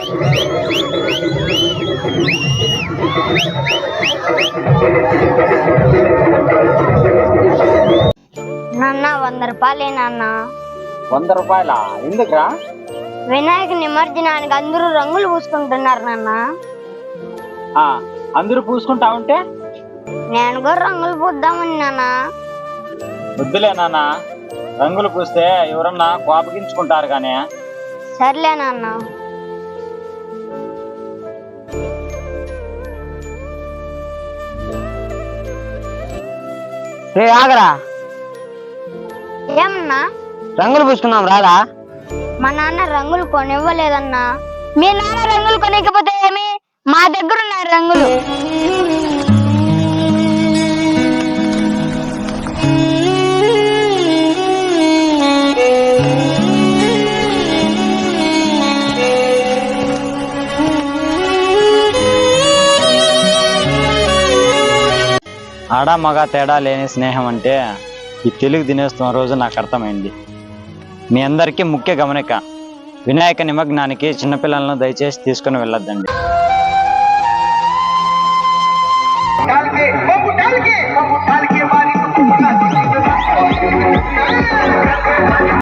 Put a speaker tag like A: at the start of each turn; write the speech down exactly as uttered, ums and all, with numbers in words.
A: నాన్న వంద రూపాయలే నాన్న.
B: వంద రూపాయల ఎందుకురా?
A: వినాయక నిమజ్జనానికి అందరూ రంగులు పూసుకుంటున్నారు నాన్న.
B: ఆ అందరూ పూసుకుంటా ఉంటే
A: నేను కూడా రంగులు పూద్దామని నాన్న.
B: వద్దులే నాన్న, రంగులు పూస్తే ఎవరన్నా కోపగించుకుంటారు కానీ.
A: సర్లే నాన్న.
C: రే ఆగరా,
A: ఏమన్నా?
C: రంగులు పూసుకుందాం రారా.
A: మా నాన్న రంగులు కొనివ్వలేదన్నా. మీ నాన్న రంగులు కొనికపోతే ఏమి, మా దగ్గర ఉన్నాయి రంగులు.
B: ఆడ మగ తేడా లేని స్నేహం అంటే ఈ తెలుగు దినోత్సవం రోజు నాకు అర్థమైంది. మీ అందరికీ ముఖ్య గమనిక, వినాయక నిమగ్నానికి చిన్నపిల్లలను దయచేసి తీసుకుని వెళ్ళొద్దండి.